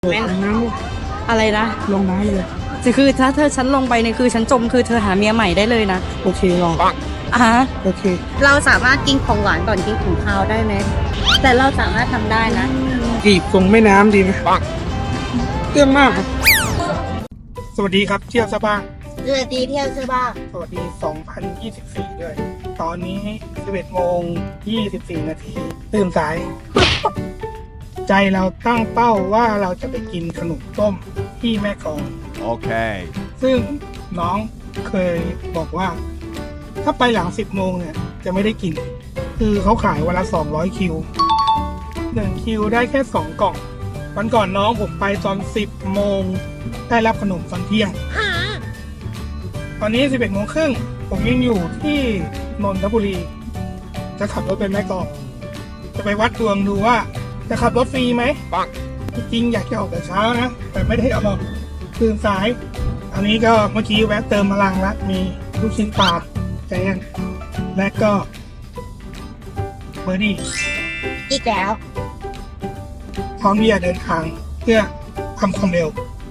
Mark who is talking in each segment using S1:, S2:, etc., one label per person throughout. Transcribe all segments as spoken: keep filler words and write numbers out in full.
S1: แม่นน้ำอะไรนะ
S2: ลงน้ำเลย
S1: จะคือถ้าเธอฉันลงไปเนี่ยคือฉันจมคือเธอหาเมียใหม่ได้เลยนะ
S2: โอเคลอง
S1: อ่ะ
S2: โอเค
S1: เราสามารถกินของหวานก่อนกินของคาวได้ไหมแต่เราสามารถทำได้นะ
S2: จีบตรงแม่น้ำดีไหมเรื่องมากครับสวัสดีครับเที่ยวซะบ้าง
S1: สวัสดีเที่ยวซะบ้าง
S2: สวัสดีสองพันยี่สิบสี่ด้วยตอนนี้สิบเอ็ดโมงยี่สิบสี่นาทีตื่นสายใจเราตั้งเป้าว่าเราจะไปกินขนมต้มที่แม่กลอง
S3: โอเค
S2: ซึ่งน้องเคยบอกว่าถ้าไปหลังสิบโมงเนี่ยจะไม่ได้กินคือเขาขายวันละสองร้อยคิวหนึ่งคิวได้แค่สองกล่องวันก่อนน้องผมไปตอนสิบโมงได้รับขนมตอนเที่ยงตอนนี้สิบเอ็ดโมงครึ่งผมยังอยู่ที่นนทบุรีจะขับรถไปแม่กลองจะไปวัดดวงดูว่าจะขับรถฟรีไหมจริงๆอยากจะออกแต่เช้านะแต่ไม่ได้ออกตื่นสายอันนี้ก็เมื่อกี้แวะเติมพลังละมีลูกชิ้นปลาแจนและก็เบอร์ดี้
S1: อีกแล้ว
S2: พร้อมที่จะเดินทางเพื่อทำความเร็ว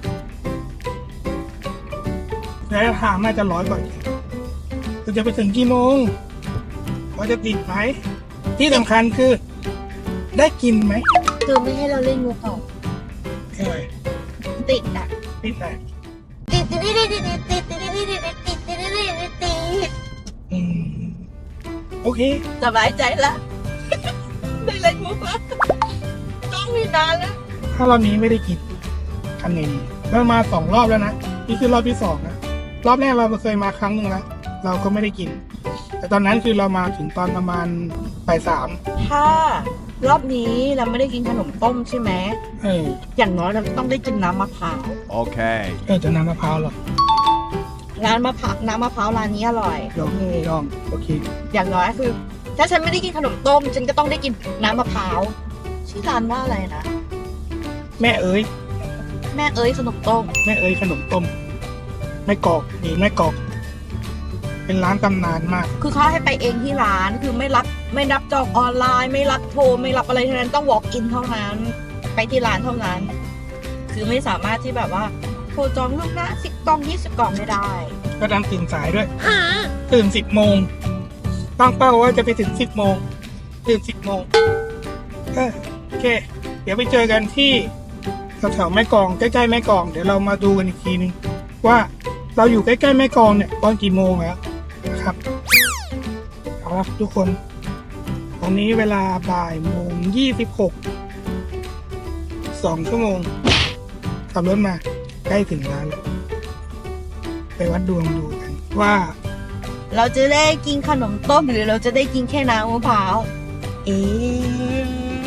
S2: ระยะทางน่าจะร้อยกว่าเราจะไปถึงกี่โมงเราจะติดไหมที่สำคัญคือได้กินไหม
S1: คือไม่ให้เราเล่นงูเห่า
S2: ใช่ไหม
S1: ติดอ่ะ
S2: ติดไหน
S1: ติดติดติดติดติดติดติดติดติดติดติดติดติด
S2: อืมโอเค
S1: สบายใจละได้เล่นมุกแล้วต้องมีนานแล้ว
S2: ถ้ารอบนี้ไม่ได้กินทำไงดีเรามาสองรอบแล้วนะนี่คือรอบที่สองนะรอบแรกเราเคยมาครั้งหนึ่งแล้วเราก็ไม่ได้กินแต่ตอนนั้นคือเรามาถึงตอนประมาณบ่ายสาม
S1: ถ้ารอบนี้เราไม่ได้กินขนมต้มใช่ไหม
S2: เออ
S1: อย่างน้อยเราต้องได้กินน้ำมะพร้าว
S3: โอเค
S2: เออจะน้ำมะพร้าวหรอ
S1: ร้านมะพร้าวน้ำมะพร้าวร้านนี้อร่อย
S2: ลองลองโอเค
S1: อย่างน้อยคือถ้าฉันไม่ได้กินขนมต้มฉันก็ต้องได้กินน้ำมะพร้าวชื่อร้านว่าอะไรนะ
S2: แม่เอ๋ย
S1: แม่เอ๋ยขนมต้ม
S2: แม่เอ๋ยขนมต้มแม่กอกหรือแม่กอกเป็นร้านตำนานมาก
S1: คือเขาให้ไปเองที่ร้านคือไม่รับไม่รับจองออนไลน์ไม่รับโทรไม่รับอะไรทั้งนั้นต้อง walk in เท่านั้นไปที่ร้านเท่านั้นคือไม่สามารถที่แบบว่าโทรจองล่วงหน้าสิบกล่องยี่สิบกล่องไม่ได้
S2: ก็ดันตื่นสายด้วยตื่นสิบโมงตั้งเป้าว่าจะไปถึงสิบโมงตื่นสิบโมงโอเคเดี๋ยวไปเจอกันที่แถวๆแม่กลองใกล้ๆแม่กลองเดี๋ยวเรามาดูกันอีกทีนึงว่าเราอยู่ใกล้ๆแม่กลองเนี่ยตอนกี่โมงแล้วนะครับเอาละทุกคนตอนนี้เวลาบ่ายโมงยี่สิบหกสองชั่วโมงขับรถมาใกล้ถึงร้านแล้วไปวัดดวงดูกันว่า
S1: เราจะได้กินขนมต้มหรือเราจะได้กินแค่น้ำมะพร้าวเอ๊ะ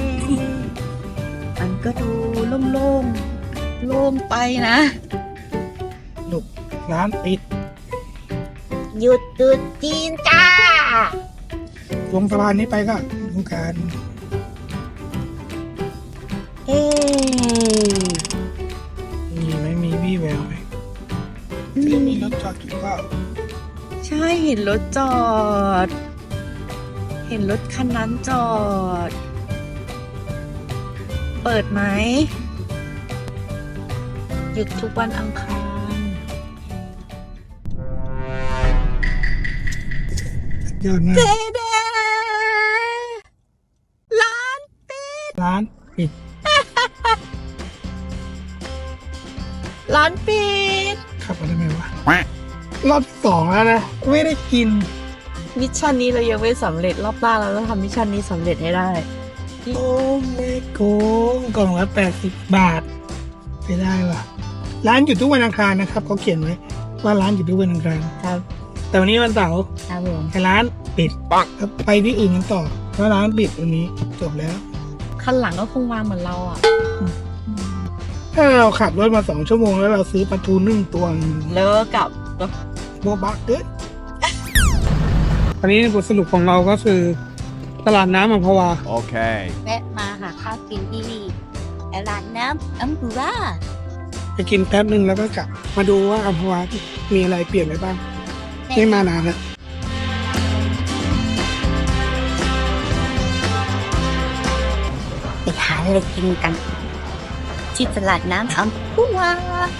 S1: มันก็ดูโล่งๆโล่งไปนะ
S2: ลูกร้านปิด
S1: หยุดหยุดจีนจ้า
S2: ลงสะพานนี้ไปก็ดูกัน
S1: เอ๊
S2: มีไหมมีวี่แววไหมที่มีรถจอดอยู่เปล่า
S1: ใช่เห็นรถจอดเห็นรถคันนั้นจอดเปิดไหมหยุดทุกวันอังคาร
S2: ยอดมาก
S1: เดเดร้านปิด
S2: ร้านปิด
S1: ร้านปิด
S2: ขับมาได้ไหมวะรอบสองแล้วนะไม่ได้กิน
S1: มิชชั่นนี้เรายังไม่สำเร็จรอบหน้าเราต้องทำมิชชั่นนี้สำเร็จให้ได้
S2: โอ้ไม่โกงกล่องละแปดสิบบาทไปได้ว่ะร้านอยู่ทุกวันอังคารนะครับเขาเขียนไว้ว่าร้านอยู่ทุกวันอังคาร
S1: ครับ
S2: แต่วันนี้วันเสาร์
S1: ครับผม
S2: แต่ร้านปิดปังไปที่อื่นกันต่อเพราะร้านปิดวันนี้จบแล้ว
S1: คันหลังก็คงมาเหมือนเราอ่ะ
S2: ถ้าเราขับรถมาสองชั่วโมงแล้วเราซื้อปลาทูนึ่งตัว
S1: เลิกกับ
S2: โบบักเกิดตอนนี้บทสรุปของเราก็คือตลาดน้ำอัมพวา
S3: โอเค
S1: แวะมาหาข้าวกินที่ตลาดน้ำอัมพวา
S2: ไปกินแป๊บนึงแล้วก็กลับมาดูว่าอัมพวามีอะไรเปลี่ยนไปบ้างไม่มานานแล้ว
S1: ไปหาอะไรกินกันที่ตลาดน้ำอัมพวา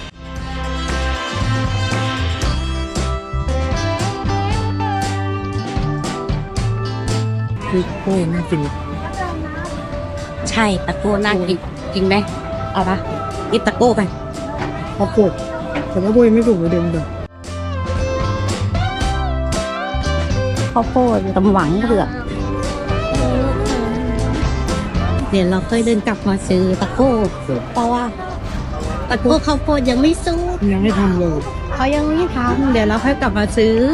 S2: คือโอ้ยน่ากิน
S1: ใช่ตะโก้น่ากินจริงไหมเอาปะกินตะโก้ไป
S2: ข้าวโพดแต่ว่าโบยไม่ถูกเลยเดิมเดิม
S1: ข้าวโพดตำหวังเผือกเดี๋ยวเราค่อยเดินกลับมาซื้อตะโก้เพราะว่าตะโก้ข้าวโพดยังไม่สุก
S2: ยังไม่ทำเลย
S1: เขายังไม่ทำเดี๋ยวเราค่อยกลับมาซื้อ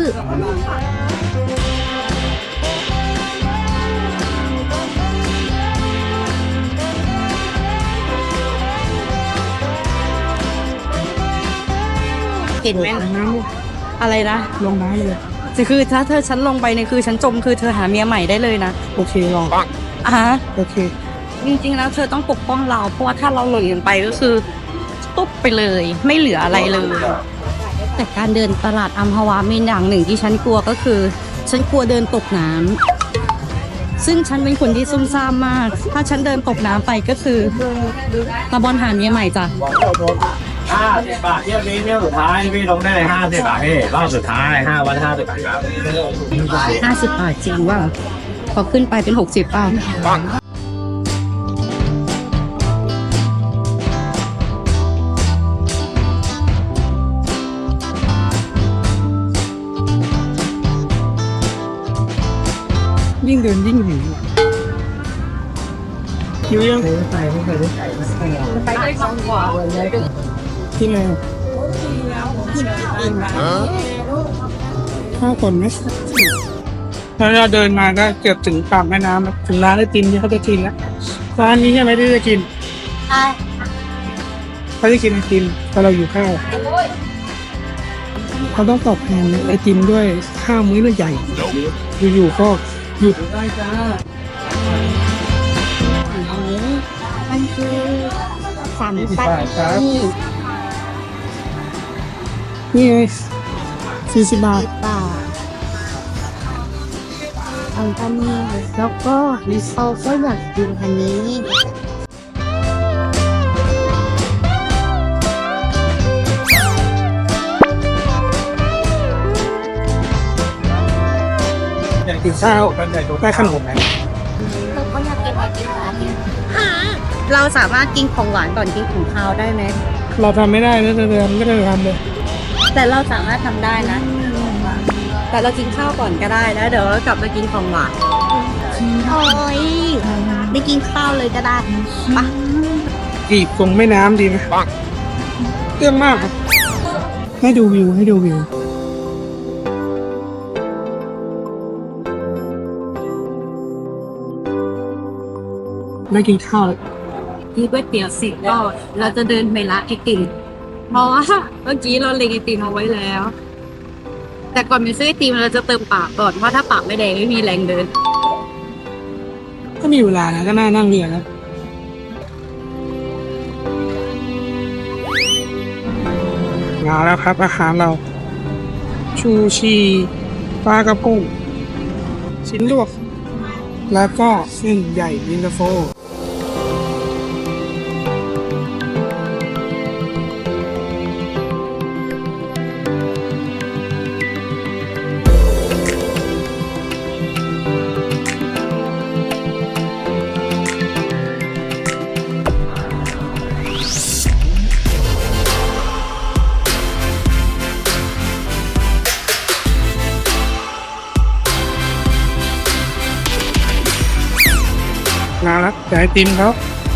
S1: เห็นไหม
S2: ลงน้
S1: อะไรนะ
S2: ำลงน้ำเลย
S1: คือถ้าเธอฉันลงไปเนี่ยคือฉันจมคือเธอหาเมียใหม่ได้เลยนะ
S2: โอเคลอง
S1: อ่ะฮะ
S2: โอเค
S1: จริงๆแล้วเธอต้องปกป้องเราเพราะว่าถ้าเราหล่นลงไปก็คือตุ๊บไปเลย ไม่เหลืออะไรเลย แต่การเดินตลาดอัมพวามีอย่างหนึ่งที่ฉันกลัวก็คือ ฉันกลัวเดินตกน้ำซึ่งฉันเป็นคนที่ซุ่มซ่ามมาก ถ้าฉันเดินตกน้ำไปก็คือตะบอลหาเมียใหม่จ้ะ
S3: ห้าสิบบาทเที่ยวนี้เที่ยวสุดท้ายพี่ลงได้เลยห้าสิบบาทพี่รอบสุดท้ายห้าวันห้าสิบบาทครับ
S1: ห้าสิบบาทจริงว่าพอขึ้นไปเป็นหกสิบเปล่า
S2: ยิ่งเดินยิ่งหิวหิวยังไปไม่เคยได้ไป
S1: ไปได้สองกว่า
S2: ที่ไหนข้าวก่อนไหมแล้วเราเดินมาก็เกือบถึงปากแม่น้ำแล้วถึงร้านไอติมที่เขาจะกินแล้วร้านนี้ใช่ไหมที่จะกิน
S1: ใช่
S2: เขาจะกินไอติมแต่เราอยู่ข้าวเขาต้องตอบแทนไอติมด้วยข้าวมื้อใหญ่อยู่ๆก็หยุดได้จ้า
S1: มันคือสามปันนี่
S2: นี่ไงสี่สิบบาท
S1: บาทอันปันนี่แล้วก็เราก็อยากกินอันนี้
S2: อยากกินข้าวได้ขนมไหม
S1: เราก็อยากกินไอติมร้านนี้เราสามารถกินของหวานก่อนกินของคาวได้ไหม
S2: เราทำไม่ได้นะเดินไม่ได้ทำเลย
S1: แต่เราสามารถทำได้นะ แต่เรากินข้าวก่อนก็ได้แล้วเดี๋ยวเรากลับมากินของหวานโอ้ยไม่กินข้าวเลยก็ได้ปะ
S2: อีกตรงแม่น้ำดีไหมเรื่องมากครับให้ดูวิวให้ดูวิวได้กินข้าวแล้ว
S1: ที่ก๋วยเตี๋ยวสิบก็เราจะเดินไปร้านไอติมเพราะว่าเมื่อกี้เราเล็งไอติมเอาไว้แล้ว แต่ก่อนไปซื้อไอติมเราจะเติมปากก่อนเพราะถ้าปากไม่แดงไม่มีแรงเดิน
S2: ก็มีเวลานะก็น่านั่งเรือแล้วมาแล้วครับอาหารเรา ชูชีปลากระพงชิ้นลวก แล้วก็เส้นใหญ่ยินตาโฟมาแล้วแต่ไอติมเขา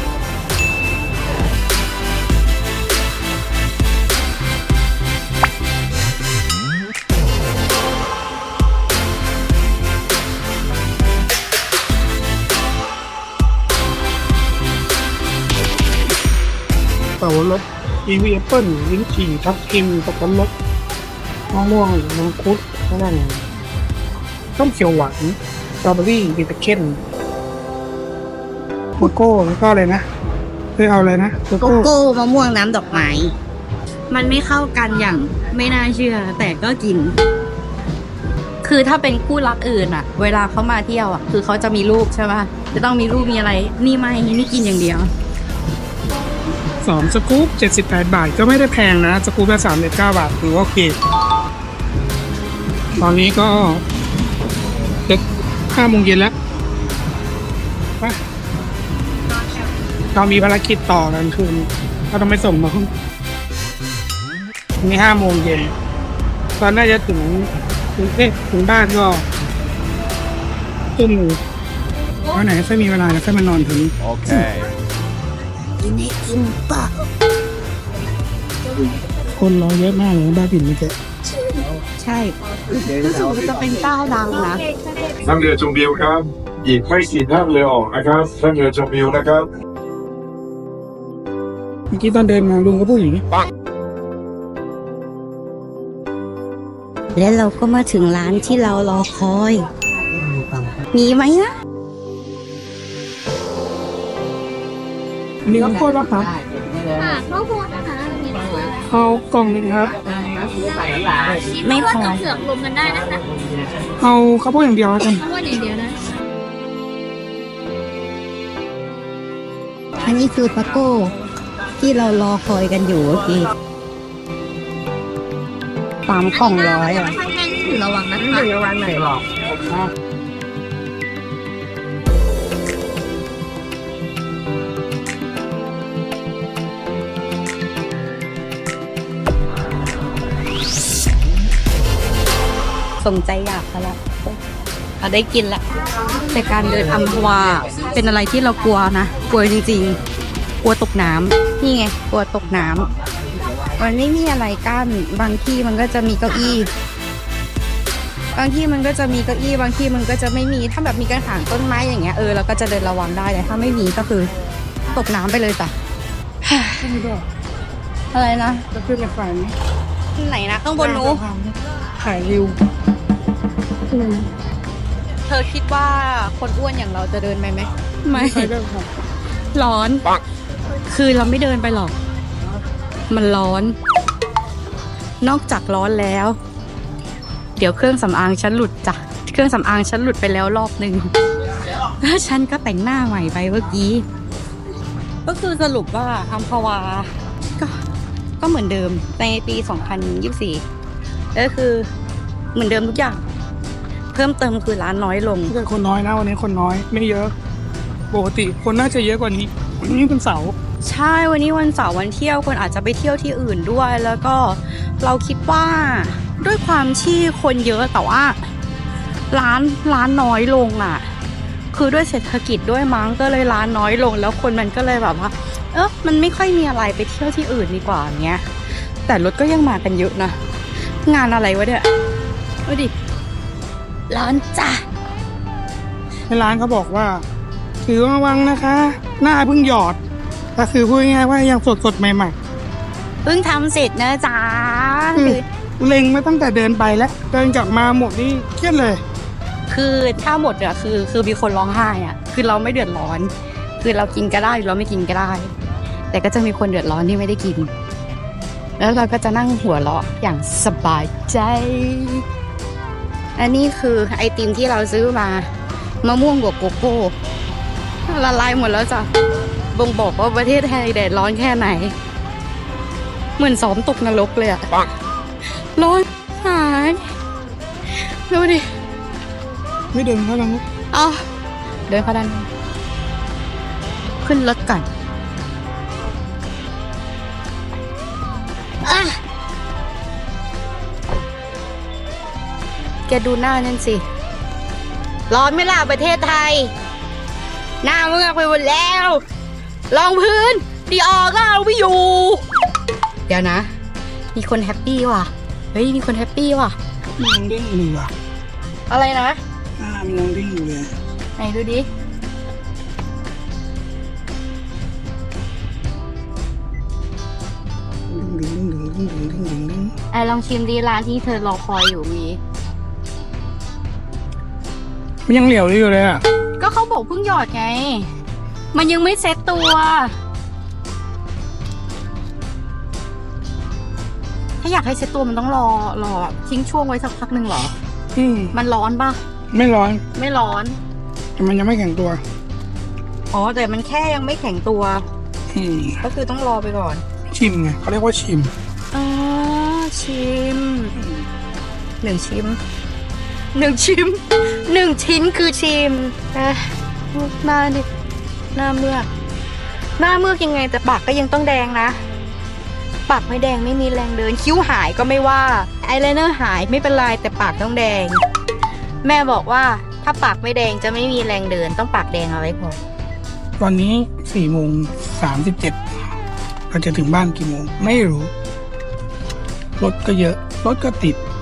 S2: เป่ารสอีวีแอปเปิ้ลลิ้นจี่ทับทิมตะกันรสมะม่วงมังคุดนั่นต้มเขียวหวานสตรอเบอรี่บิตเคนโกโก้แล้วก็อะไรนะเคยเอาอะไรนะโก
S1: โก
S2: โก้
S1: โก้มะม่วงน้ำดอกไม้ มันไม่เข้ากันอย่างไม่น่าเชื่อ แต่ก็กิน คือถ้าเป็นคู่รักอื่นอะเวลาเขามาเที่ยวอะคือเขาจะมีลูกใช่ป่ะจะต้องมีลูกมีอะไร นี่ไม่นี่กินอย่างเดียว
S2: สองสกู๊ปเจ็ดสิบแปดบาทก็ไม่ได้แพงนะสกู๊ปละสามสิบเก้าบาทถือว่าโอเคตอนนี้ก็จะห้าโมงเย็นแล้วไปเรามีภารกิจต่อกันคืนเราต้องไปส่งน้องนี่ห้าโมงเย็นตอนน่าจะถึงถึงเอ๊ะถึงบ้านก็ทุ่มหนึ่งวันไหนค่อยมีเวลาแล้วค่อยมานอนถึง
S3: Okay.
S2: คนรอเยอะมากเลยบ้าบินไม่เจ๊
S1: ใช่รู้สึกว่าจะเป็นเจ้าดังนะ
S4: นั่งเรือชมวิวครับ อีกไม่กี่นั่งเรือออกนะครับนั่งเรือชมวิวนะครับ
S2: เมื่อกี้ตอนเดินมาลุงก็พูดอย่างนี้
S5: และเราก็มาถึงร้านที่เรารอคอย มีไหมนะ
S2: มีข้าวโพดป่ะครับ
S6: ค่ะข้าวโพดนะคะมีไหมคะ
S2: เอากล่องหนึงครับ
S5: ไม่พอ
S6: กับเผือกรวมกันได้นะคะ
S2: เอาข้าวโพดอย่างเดียวแล้วกัน
S6: ข้าวโพดอย่างเดียวนะ
S5: อันนี้คือปาโก้ ที่เรารอคอยกันอยู่เมื่อกี้สามกล่องร้อยอ่ะ
S6: ข้างแห้งถือระวังนะคะ
S2: เดี๋ยววันไหนหรอก
S5: สมใจอยากแล้วละเราได้กินละแต่การเดินอัมพวาเป็นอะไรที่เรากลัวนะ กลัวจริงๆ กลัวตกน้ำนี่ไง กลัวตกน้ำมันไม่มีอะไรกั้น บางที่มันก็จะมีเก้าอี้ บางที่มันก็จะมีเก้าอี้ บางที่มันก็จะไม่มี ถ้าแบบมีกระถางต้นไม้อย่างเงี้ย เออเราก็จะเดินระวังได้แต่ถ้าไม่มีก็คือตกน้ำไปเลยจ้ะ อะไรนะ
S2: จะขึ้นมาฝัน
S5: ไหนนะข้างบนนู้น
S2: ขายริว
S5: เธอคิดว่าคนอ้วนอย่างเราจะเดินไปไหมไม่
S2: ใครเดินครับ
S5: ร้อน คือเราไม่เดินไปหรอก มันร้อน นอกจากร้อนแล้ว เดี๋ยวเครื่องสำอางฉันหลุดจ้ะ เครื่องสำอางฉันหลุดไปแล้วรอบหนึ่งแล้วฉันก็แต่งหน้าใหม่ไปเมื่อกี้ ก็คือสรุปว่าอัมพวา ก็ก็เหมือนเดิมในปีสองพันยี่สิบสี่ก็คือเหมือนเดิมทุกอย่าง เพิ่มเติมคือร้านน้อยลง
S2: แต่คนน้อยนะวันนี้คนน้อยไม่เยอะ ปกติคนน่าจะเยอะกว่านี้วันนี้เป็นเสาร์
S5: ใช่วันนี้วันเสาร์วันเที่ยวคนอาจจะไปเที่ยวที่อื่นด้วย แล้วก็เราคิดว่าด้วยความที่คนเยอะแต่ว่าร้านร้านน้อยลงอ่ะ คือด้วยเศรษฐกิจด้วยมั้งก็เลยร้านน้อยลง แล้วคนมันก็เลยแบบว่า เออมันไม่ค่อยมีอะไรไปเที่ยวที่อื่นดีกว่าอย่างเงี้ย แต่รถก็ยังมากันเยอะนะงานอะไรวะเนี่ยดูดิร้อนจ้ะ
S2: ในร้านเขาบอกว่าถือระวังนะคะ หน้าเพิ่งหยอดก็คือพูดง่ายๆว่ายังสดสดๆใหม่
S5: เพิ่งทำเสร็จนะจ๊ะ
S2: ๆคือเล็งมาตั้งแต่เดินไปแล้วเดินกลับมาหมดนี่เครียดเลย
S5: คือถ้าหมดอะคือคือมีคนร้องไห้อะคือเราไม่เดือดร้อน คือเรากินก็ได้หรือเราไม่กินก็ได้ แต่ก็จะมีคนเดือดร้อนที่ไม่ได้กิน แล้วเราก็จะนั่งหัวเราะอย่างสบายใจ อันนี้คือไอติมที่เราซื้อมามะม่วงบวกโกโก้ละลายหมดแล้วจ้ะบ่งบอกว่าประเทศไทยแดดร้อนแค่ไหน เหมือนซ้อมตกนรกเลยอะร้อนหายดูดิ
S2: ไม่เดินเขาลัง
S5: เอาเดินเข้าด้านในขึ้นรถก่อนอ่ะแกดูหน้านั่นสิ ร้อนไหม่ล่ะประเทศไทย หน้าเมือกไปหมดแล้วรองพื้นดีออก็เอาไม่อยู่ เดี๋ยวนะ มีคนแฮปปี้ว่ะ เฮ้ย มีคนแฮปปี้ว่ะ
S2: มันยังเด้งอยู่อ่ะ
S5: อะไรนะ
S2: หน้ามันยังเด้งอยู่เลย
S5: ไหนดูดิ
S2: ดึงดึงดึงดึงดึงดึงดึง
S5: ไอลองชิมดีร้านที่เธอรอคอยอยู่มี
S2: มันยังเหลียวอยู่เลยอ่ะ
S5: ก็เขาบอกเพิ่งหยอดไง มันยังไม่เซ็ตตัว ถ้าอยากให้เซ็ตตัวมันต้องรอรอแบบทิ้งช่วงไว้สักพักหนึ่งเหรอ
S2: อืม
S5: มันร้อนปะ
S2: ไม่ร้อน
S5: ไม่ร้อน
S2: แต่มันยังไม่แข็งตัว
S5: อ๋อแต่มันแค่ยังไม่แข็งตัว
S2: แอืม
S1: ก็คือต้องรอไปก่อน
S2: ชิมไงเขาเรียกว่าชิม
S5: อ๋อชิมหนึ่งชิมหนึ่งชิมหนึ่งชิ้นคือชิมเอ๊ะหน้าดิหน้าเมือกหน้าเมือกยังไงแต่ปากก็ยังต้องแดงนะปากไม่แดงไม่มีแรงเดินคิ้วหายก็ไม่ว่าไอายไลเนอร์หายไม่เป็นไรแต่ปากต้องแดง แม่บอกว่าถ้าปากไม่แดงจะไม่มีแรงเดินต้องปากแดงเอาไว้พอ
S2: ตอนนี้สี่โมงสามสิบเจ็ดเราจะถึงบ้านกี่โมง ไม่รู้ รถก็เยอะ รถก็ติด